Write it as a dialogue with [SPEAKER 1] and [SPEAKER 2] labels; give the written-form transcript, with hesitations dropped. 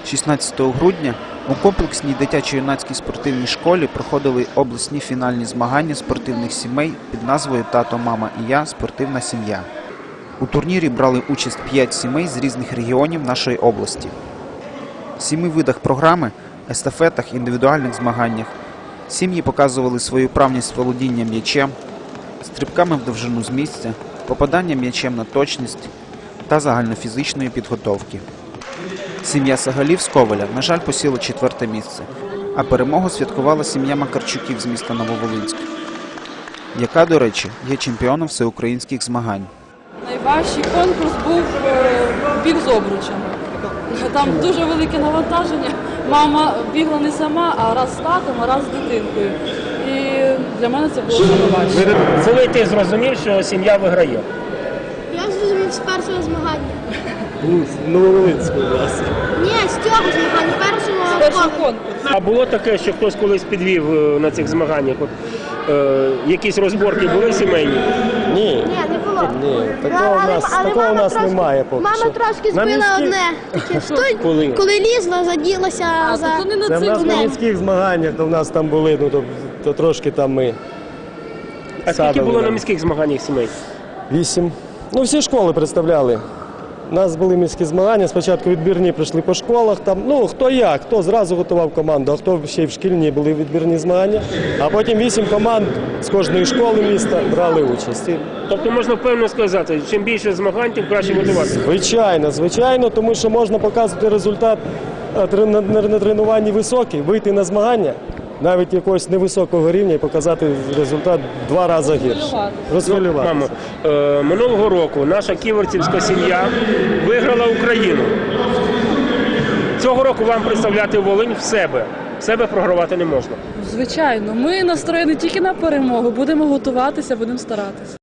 [SPEAKER 1] 16 грудня у комплексній дитячо-юнацькій спортивній школі проходили обласні фінальні змагання спортивних сімей під назвою «Тато, мама і я. Спортивна сім'я». У турнірі брали участь 5 сімей з різних регіонів нашої області. В 7 видах програми – естафетах, індивідуальних змаганнях – сім'ї показували свою вправність володіння м'ячем, стрибками в довжину з місця, попаданням м'ячем на точність та загальнофізичної підготовки. Сім'я Сагалів з Ковеля, на жаль, посіла 4-те місце, а перемогу святкувала сім'я Макарчуків з міста Нововолинськ, яка, до речі, є чемпіоном всеукраїнських змагань.
[SPEAKER 2] Найважчий конкурс був біг з обручами. Там дуже велике навантаження. Мама бігла не сама, а раз з татом, а раз з дитинкою. І для мене це було найважче.
[SPEAKER 3] Коли ти зрозумів, що сім'я виграє?
[SPEAKER 4] Я зрозумів з першого змагання.
[SPEAKER 3] З Нововолинського власне.
[SPEAKER 4] Ні, з цього змагання, першого конкурсу.
[SPEAKER 3] А було таке, що хтось колись підвів на цих змаганнях? От, якісь розборки були сімейні?
[SPEAKER 5] Ні.
[SPEAKER 4] Ні, не було.
[SPEAKER 5] Ні, такого у нас немає поки
[SPEAKER 4] Мама
[SPEAKER 5] що.
[SPEAKER 4] трошки збила одне. Коли лізла, заділася за...
[SPEAKER 2] Тобто не на
[SPEAKER 5] Це в нас
[SPEAKER 2] цих
[SPEAKER 5] на міських змаганнях, то в нас там були, ну то трошки там ми.
[SPEAKER 3] А скільки було на міських змаганнях сімей?
[SPEAKER 5] 8. Ну всі школи представляли. У нас були міські змагання, спочатку відбірні прийшли по школах, там, ну хто як, хто зразу готував команду, а хто ще й в шкільні були відбірні змагання. А потім 8 команд з кожної школи міста брали участь.
[SPEAKER 3] Тобто можна впевнено сказати, чим більше змагань, тим краще готуватися?
[SPEAKER 5] Звичайно, тому що можна показувати результат на тренуванні високий, вийти на змагання, навіть якогось невисокого рівня і показати результат 2 рази гірше. Розхвилюватися.
[SPEAKER 3] Мамо, минулого року наша ківерцівська сім'я виграла Україну. Цього року вам представляти Волинь в себе. В себе програвати не можна.
[SPEAKER 2] Звичайно, ми настроєні тільки на перемогу. Будемо готуватися, будемо старатися.